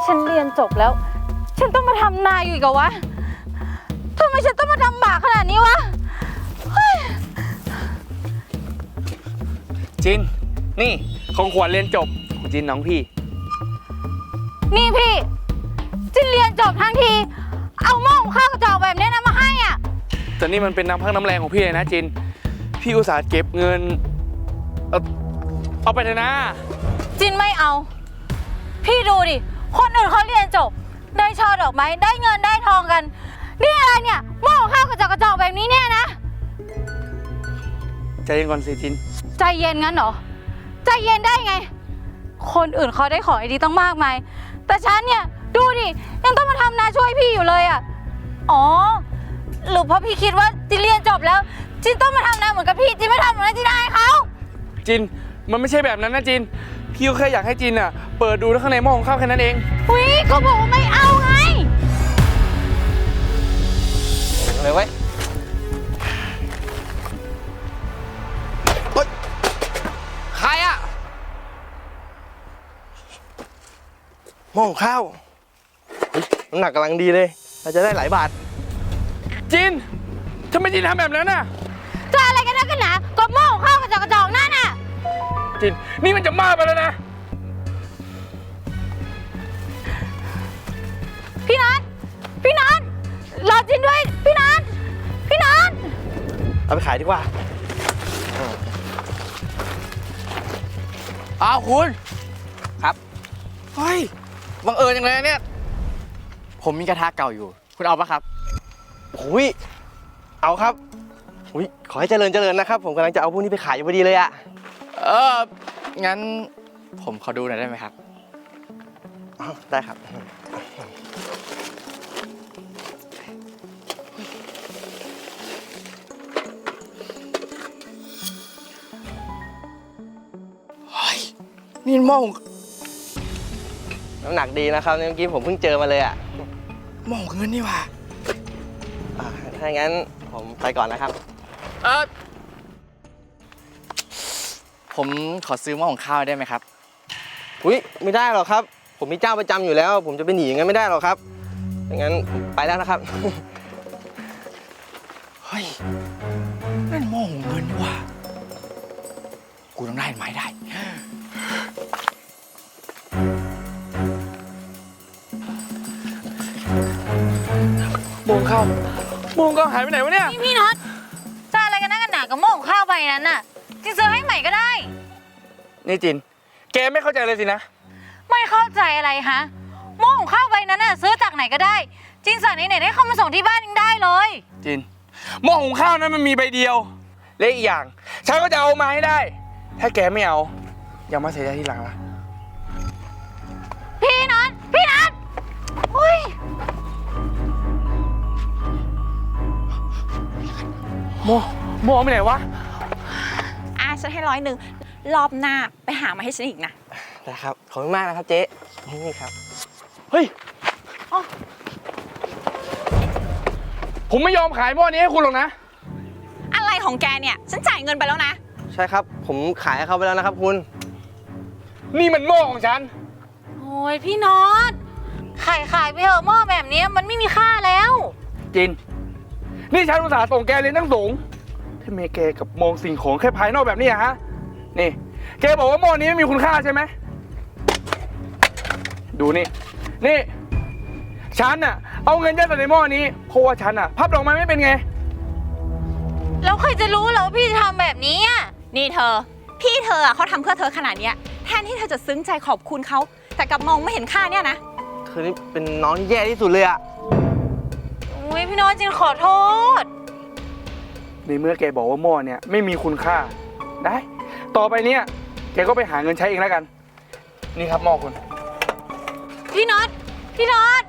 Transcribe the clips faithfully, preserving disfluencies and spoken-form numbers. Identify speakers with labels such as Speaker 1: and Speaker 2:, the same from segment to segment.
Speaker 1: ฉันเรียนจบแล้วฉันต้องมาทำนาอยู่อีกเหรอวะทำไมฉันต้องมาทำบากขนาดนี้วะ
Speaker 2: จินนี่ของขวัญเรียนจบของจินน้องพี่
Speaker 1: นี่พี่จินเรียนจบทั้งทีเอาหม้อหุงข้าวกระจอกแบบนี้นะมาให้อ่ะ
Speaker 2: แต่นี่มันเป็นน้ำพักน้ำแรงของพี่เลยนะจินพี่อุตส่าห์เก็บเงินเอาเอาไปเถอะนะ
Speaker 1: จินไม่เอาพี่ดูดิคนอื่นเขาเรียนจบได้ช่อดอกไม้ได้เงินได้ทองกันนี่อะไรเนี่ยหม้อหุงข้าวกระจอกกระจอกแบบนี้เนี่ยนะ
Speaker 2: ใจเย็นก่อนสิจิน
Speaker 1: ใจเย็นงั้นเหรอใจเย็นได้ไงคนอื่นเขาได้ของไอ้ดีต้องมากมายแต่ฉันเนี่ยดูดิยังต้องมาทำนาช่วยพี่อยู่เลยอ่ะอ๋อหรือเพราะพี่คิดว่าจินเรียนจบแล้วจินต้องมาทำนาเหมือนกับพี่จินไม่ทำเหมือนนั้นจินได้เขา
Speaker 2: จินมันไม่ใช่แบบนั้นนะจินพี่ก็แค่อยากให้จินอ่ะเปิดดูข้างในหม้อของข้าวแค่นั้นเอง
Speaker 1: อุ้ยเขาบอกว่าไม่เอาไง
Speaker 2: เลยเว้ยใครอ่ะ
Speaker 3: หม้อข้าวน้ำหนักกำลังดีเลยเราจะได้หลายบาท
Speaker 2: จินทำไมจินทำแบบนั้นน่ะ
Speaker 1: จะอะไรกันนักกันหนาก็หม้อข้าวกระจอกกระจอกนั่นน่ะ
Speaker 2: จินนี่มันจะมากไปแล้วนะ
Speaker 1: พี่นัทพี่นัทรอจินด้วยพี่นัทพี่นัท
Speaker 3: เอาไปขายดีกว่า
Speaker 2: อ้าวคุณครับเฮ้ยบังเอิญจังเลยเนี่ยผมมีกระทะเก่าอยู่คุณเอาปะครับ
Speaker 3: โอ้ยเอาครับอุ้ยขอให้เจริญเจริญนะครับผมกำลังจะเอาพวกนี้ไปขายอยู่พอดีเลยอะ
Speaker 2: เอองั้นผมขอดูหน่อยได้ไหมครับ
Speaker 3: ได้ครับ
Speaker 2: เฮ้ยนี่หม้อ
Speaker 3: น้ำหนักดีนะครับเมื่อกี้ผมเพิ่งเจอมาเลยอะ
Speaker 2: หม้อเงินนี่ว่ะ
Speaker 3: ถ้างั้นผมไปก่อนนะครับ
Speaker 2: เออผมขอซื้อหม้อของข้าวได้ไหมครับ
Speaker 3: อุ้ยไม่ได้หรอกครับผมมีเจ้าประจำอยู่แล้วผมจะไปหนีอย่างนั้นไม่ได้หรอกครับอย่างนั้นไปแล้วนะครับ
Speaker 2: เฮ้ยนั่นหม้อเงินนี่ว่ะกูต้องได้ไหมได้โมงข้าวโมงก็หายไปไหนวะเนี่ย
Speaker 1: พี่น็อตจะอะไรกันนักกันหนากับหม้อข้าวไปนั้นน่ะจินซื้อให้ใหม่ก็ได้
Speaker 2: นี่จินแกไม่เข้าใจเลยสินะ
Speaker 1: ไม่เข้าใจอะไรฮะหม้อข้าวใบนั้นน่ะซื้อจากไหนก็ได้จินสั่งไหนๆได้เข้ามาส่งที่บ้านยังได้เลย
Speaker 2: จินหม้อหุงข้าวนั้นมันมีใบเดียวและอีกอย่างฉันก็จะเอามาให้ได้ถ้าแกไม่เอาอย่ามาเสียใจทีหลังละ
Speaker 1: พี่น็อตพี่น็อตอุ้ย
Speaker 2: โมโมไปไหนวะ
Speaker 4: อ่ะฉันให้ร้อยหนึ่งรอบหน้าไปหามาให้ฉันอีกนะ
Speaker 3: ได้ครับขอบคุณมากนะครับเจ๊นี่ครับ
Speaker 2: เฮ้ยผมไม่ยอมขายหม้อนี้ให้คุณหรอกนะ
Speaker 4: อะไรของแกเนี่ยฉันจ่ายเงินไปแล้วนะ
Speaker 3: ใช่ครับผมขายให้เขาไปแล้วนะครับคุณ
Speaker 2: นี่มันหม้อของฉัน
Speaker 1: โอ้ยพี่น็อตขายขายไปเถอะหม้อแบบนี้มันไม่มีค่าแล้ว
Speaker 2: จินนี่ฉันอุตส่าห์ส่งแกเรียนตั้งสูงทำไมแกกับมองสิ่งของแค่ภายนอกแบบนี้ฮะนี่แกบอกว่าหม้อนี้ไม่มีคุณค่าใช่ไหมดูนี่นี่ฉันน่ะเอาเงินยัดใส่ในหม้อนี้เพราะว่าฉันน่ะพับดอกไม้ไม่เป็นไง
Speaker 1: แล้วใครจะรู้เหรอว่าพี่จะทำแบบนี้อ่ะ
Speaker 4: นี่เธอพี่เธอเขาทำเพื่อเธอขนาดนี้แทนที่เธอจะซึ้งใจขอบคุณเขาแต่กลับมองไม่เห็นค่าเนี่ยนะ
Speaker 3: เธอนี่เป็นน้องที่แย่ที่สุดเลยอะ
Speaker 1: โอ้ยพี่น้อยจินขอโทษ
Speaker 2: ในเมื่อแกบอกว่าหม้อเนี่ยไม่มีคุณค่าได้ต่อไปเนี้ยแกก็ไปหาเงินใช้เองแล้วกันนี่ครับหม้อคุณ
Speaker 1: พี่น็อตพี่น็อต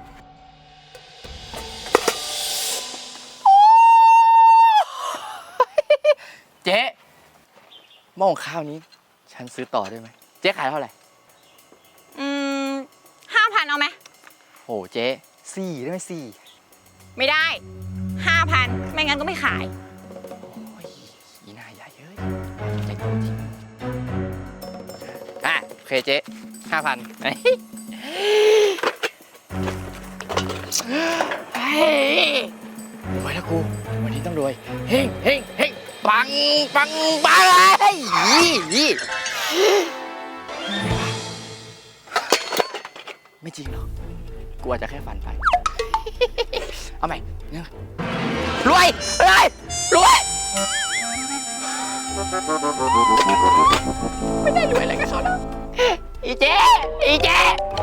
Speaker 2: เจ๊หม้อข้าวนี้ฉันซื้อต่อได้ไหมเจ๊ขายเท่าไหร่
Speaker 4: อืมห้าพันเอาไหม
Speaker 2: โอ้เจ๊สี่ได้ไหมสี่
Speaker 4: ไม่ได้ห้าพันไม่งั้นก็ไม่ขาย
Speaker 2: โอ้ยอีหน้าใหญ่เอ้ยใจโตจริงอ่ะโอเคเจ๊ห้าพัน
Speaker 5: เฮ้ยรวยแล้วกูวันนี้ต้องรวยเฮงเฮงเฮงปังปังปังเลยยี่ไม่จริงหรอกกูอาจจะแค่ฝันไป เอาใหม่เนี่ยรวยรวยรวยไม่ได้รวยอะไรกับเขาหรอกอีเจ๊อีเจ๊